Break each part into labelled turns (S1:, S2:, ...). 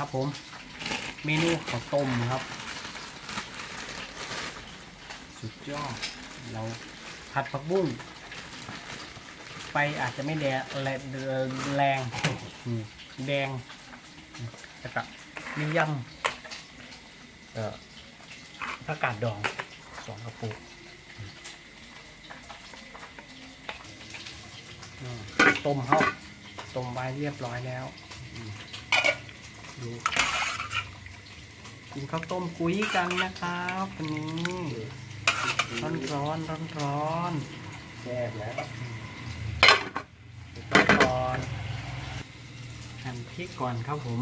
S1: ครับผมเมนูข้าวต้มครับสุดยอดเราผัดผักบุ้งไฟอาจจะไม่แดงแรงแรงแดงแล้วก็มียำผักกาดดอง2 กระปุกต้มเขาต้มไว้เรียบร้อยแล้วดูกินข้าวต้มกุ้ยกันนะครับวันนี้ร้อน
S2: แซ่บนะ
S1: ปิดไฟก่อนหั่นพริกก่อนครับผม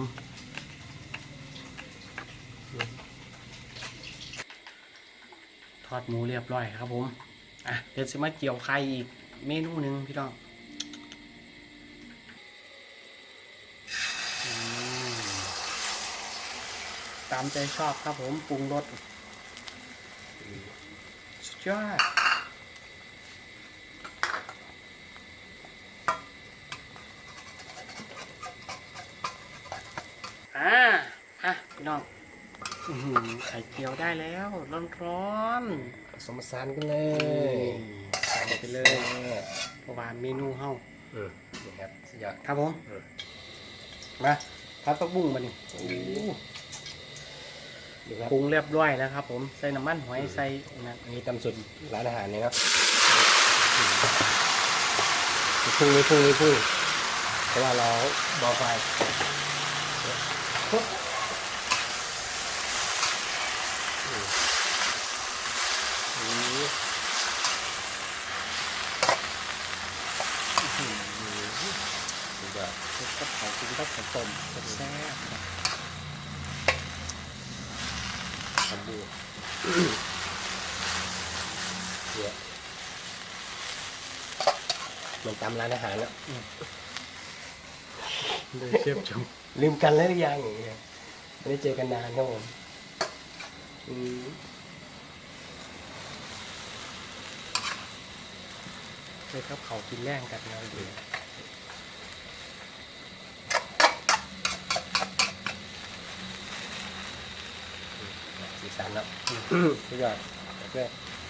S1: ทอดหมูเรียบร้อยครับผมเดี๋ยวจะมาเกี่ยวไข่อีกเมนูหนึ่งพี่น้องตามใจชอบครับผมปรุงรสสุดยอดพี่น้องไข่เจียวได้แล้วร้อน
S2: ผสมผสานกันเลย
S1: ใส่ไปเลยเพราะว่าเมนูเฮา
S2: นี่ครับสุดยอด
S1: ครับผมมาผัดผักบุ้งมาดิปรุงเรียบร้อยแล้วครับผมใส่น้ำมันหอยใส่
S2: นี่ตำสุดร้านอาหารนี่ครับพุ่งเพราะว่าเราเบาไฟ
S1: ก็เผากินก็ผสมแซ่บ
S2: ทำดูมันตำร้านอาหารแล้ว
S1: เลยเชฟชม
S2: ลืมกันแล้วหรือยังอย่างเงี้ยไม่ได้เจอกันนานครับผม
S1: เลยครับเขากินแรงกันเราดี
S2: สีสันแล้วสุดยอดเพื่อน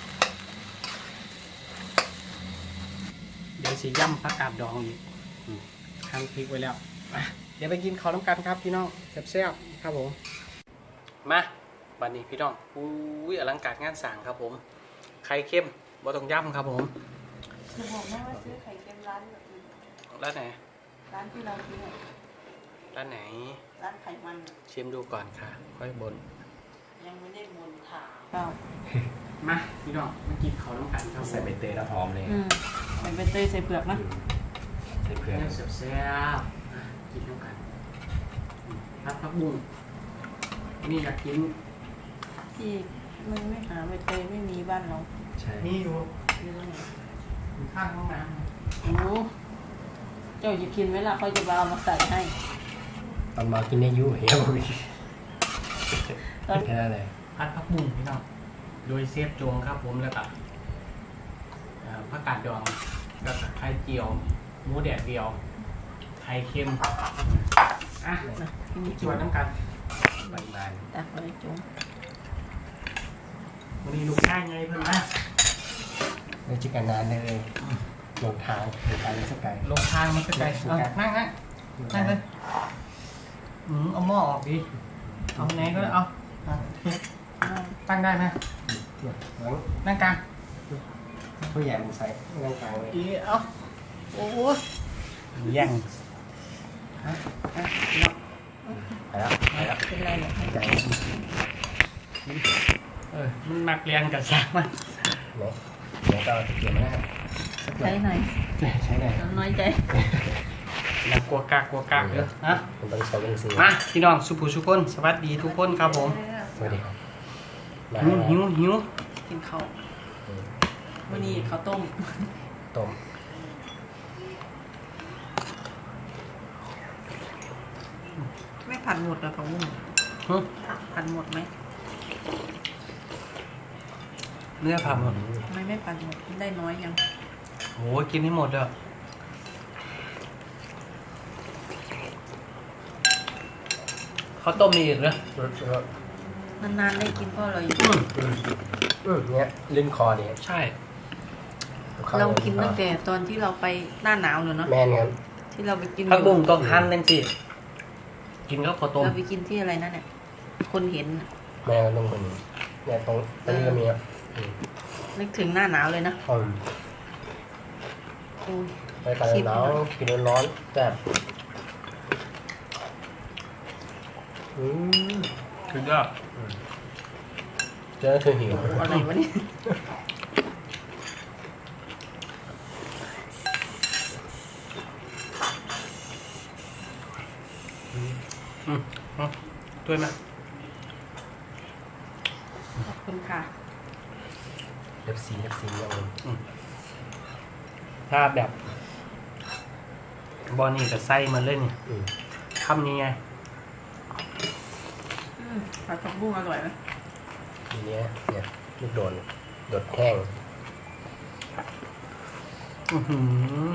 S1: เดี๋ยวสีย่ำผักกาดดองอีกหั่นพริกไว้แล้วเดี๋ยวไปกินข้าวน้ำกันครับพี่น้องแซ่บๆครับผมมาวันนี้พี่น้องอลังการงานสั่งครับผมไข่เค็มบ่ต้องย่ำครับผม
S3: จะบอกนะว่าซื้อไข่เค็มร้านแบบนี้
S1: ร้านไหน
S3: ร้านที่เราซื้อ
S1: ร้านไหน
S3: ร้านไข่มัน
S1: ชิมดูก่อนค่ะค่อยบน
S3: ยังไม่ได้บนถามเปล่า
S1: มาพี่น้องมากินข้าวน้ำกันครับ
S2: ใส่ใบเตยแล้วหอมเลย
S3: ใส่ใบเตยใส่เปลือกนะ
S2: ใส่เปลือก
S1: แซ่บๆกินน้ำกันผักบุ้งนี่อยากกิน
S3: ที่มันไม่หาใบเตยไม่มีบ้านเรา
S2: ใช่
S1: นี่อยู่ข้างห้องน้ำ
S3: โอ้เจ้าจะกินไหมล่ะเขาจะเอามาใส่ให้
S2: ตอนมากินได้ยุ่ยครับแค่นั้นเลย
S1: ผัดผักบุ้งพี่น้องโดยเซฟโจงครับผมแล้วก็ผักกาดดองแล้วก็ไข่เจียวหมูแดดเดียวไข่เค็มชวนน้ำกัน
S2: บาน
S3: ตักเลยจุ๊ง
S1: วันนี้ลูกชายไงเพื่อนนะ
S2: ไม่จิกันนานเลยลงทางเลยสักไกล
S1: ลงทางมันสักไกลนั่งเลยเอาหม้อออกดิเอาไหนก็เอาตั้งได้ไหมนั่งกลาง
S2: ผู้ใหญ่ใส่นั่งกลางเลย
S1: เอาโอ้แย่ง
S2: ไปแล้ว
S3: เป็นไรเนี่ย
S2: ใจ
S1: มันมักเรียนกับสามมัน
S2: เดี๋ยวก็จะเกี่ยวนะครับ
S3: ใช้หน่อย
S2: ใช้หน่อย
S3: น้อยใจ
S1: แล้วกลัวกากเยอะนะ
S2: ผมต้องใช้เป็นสี
S1: มาพี่น้องสุภูสุคนสวัสดีทุกคนครับผม
S2: สวัสดีครับ
S1: หิว
S3: กินข้าววันนี้ข้าวต้มไม่ผัดหมดเหรอของมึงผัดหมดไหม
S1: เนื้อผัดหมด
S3: ไม่ผัดหมดได้น้อยยัง
S1: โอ้กินให้หมดเลยข้าวต้มมีอีกนะ
S3: นานๆได้กินเพราะเราอยู่
S2: เนี่ยลื่นคอเนี่ย
S1: ใช่
S3: เรากินตั้งแต่ตอนที่เราไปหน้าหนาวเลยเนาะ
S2: แม่นครับ
S3: ที่เราไปกิน
S1: ผักบุ้งต้องหั่นจังสิกินกับข้าวต้ม
S3: เราไปกินที่อะไรนั่นเนี่ยคนเห็นน่ะ
S2: แม่ก็ต้องคนนี้เนี่ยตรงนี้ก็มีครับ
S3: นึกถึงหน้าหนาวเลยนะ
S2: อืม
S3: โอ้ย
S2: ไปกันหนาวกินร้อนๆแซ่บม
S1: สุดยอด
S2: เจอคือหิว
S3: อะไรวะเนี่ย
S1: ด้วยไหม
S3: ขอบคุณค่ะ
S2: เล็บซีอย่างนึง
S1: ถ้าแบบบอนี่กับไส้มันเล่น
S2: อืม
S1: คำนี้ไง
S3: ผัดผักบุ้งอร่อยไหม
S2: ทีเนี้ยเนี่ยลูกโดดแห้ง
S1: อื้อหือ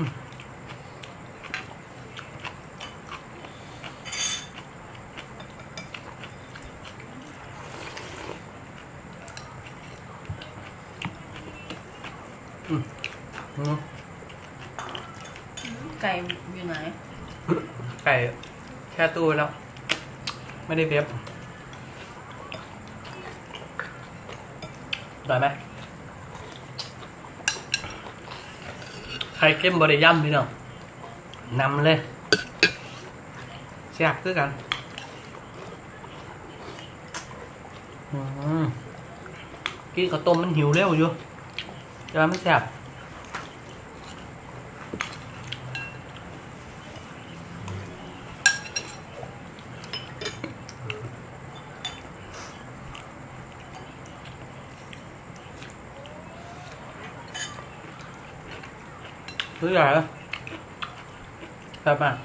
S1: อืม
S3: ไก่อยู่ไหน
S1: ไก่แช่ตู้ไว้แล้ว ไม่ได้เว็บได้ไหมไข่เค็มบริย่ำพี่น้องนำเลยแซ่บคือกันกินข้าวต้มมันหิวเร็วอยู่จะไม่แซ่บคือใหญ่แล้วแซ่บมาก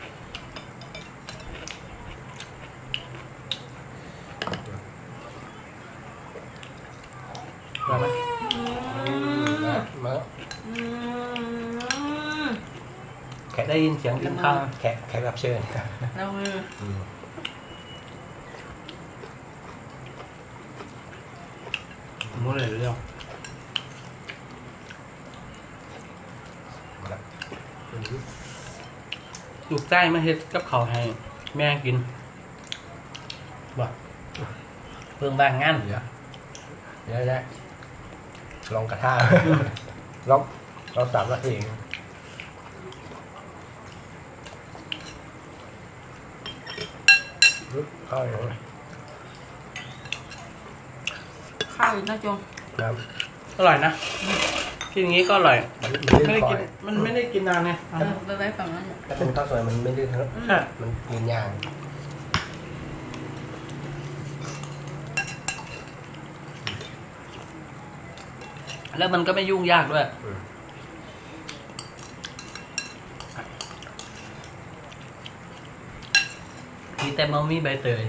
S1: ได้ไหม
S2: มา
S1: แค่ได้ยินเสียงกินข้าว
S2: แขกรับเชิญ
S3: แล้วมือ
S1: มุ้งเลยเรื่องลูกใต้มาเฮ็ดกับเขาวให้แม่กินบ่เพิ่งบางงาน
S2: เดี๋ยวได้ลองกระทะลอง3 นาทีเองเข้าอย่างนี้
S3: ข้าวอยู่นะจง
S2: ครับ
S1: อร่อยนะกินอย่างนี้ก็อร่อย
S2: มัน
S1: ไม่
S2: ลื่น
S1: ได้
S2: คอ
S1: กินมันไม่ได้กินนานไง
S3: ไปไว้ฝั่งนั้นน่ะ
S2: ถ้าเป็นข้าวสวยมันไม่ลื่นครับ
S1: ใช่
S2: มันยืนยาง
S1: แล้วมันก็ไม่ยุ่งยากด้วยมีแต่มัมีใบเตย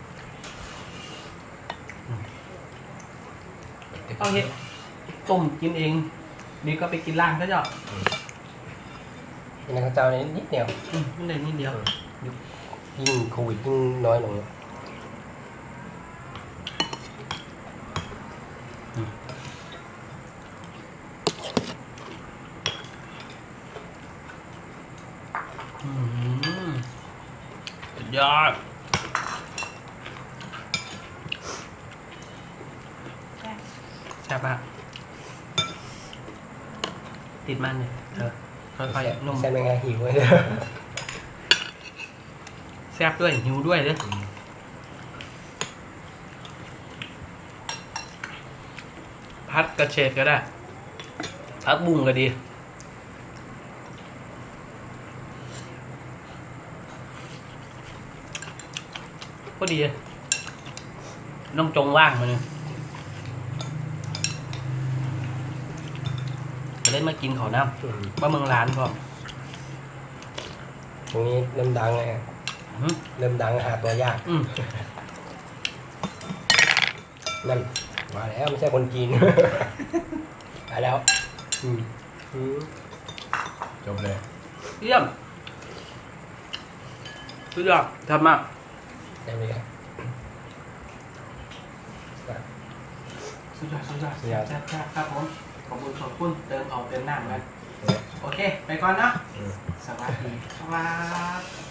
S1: เอาเฮ็ดต้มกินเองนี่ก็ไปกินล่างซะจ้ะ
S2: เป็นข้าวเจ้านี้นิดเดียว
S1: ไม่ได้นิดเดียว
S2: ยิ่งโควิดยิ่งน้อยลง
S1: สุดยอดใช่ปะติดมันเลยค่อยๆนุ่ม
S2: ใช่ไหมไงหิวเลย
S1: แซ่บด้วยหิวด้วยเลยพัดกระเฉดก็ได้พัดบุ้งก็ดีก็ดีน้องจงว่างมาเนี่ยจะได้มากินขอน้ำว่าเมืองร้านพอ
S2: ตรงนี้เริ่มดังเลยเริ่มดังหาตัวยากนั่นมาแล้วไม่ใช่คนจีน มาแล้วจบเลย
S1: เยี่ยมสุดยอดทำมาก
S2: ได้ไหมครับ
S1: สุดยอดแซ่บครับผมขอบคุณเติมเอาเติมน้ำกันโอเค ไปก่อนเนาะสวัสดีครับ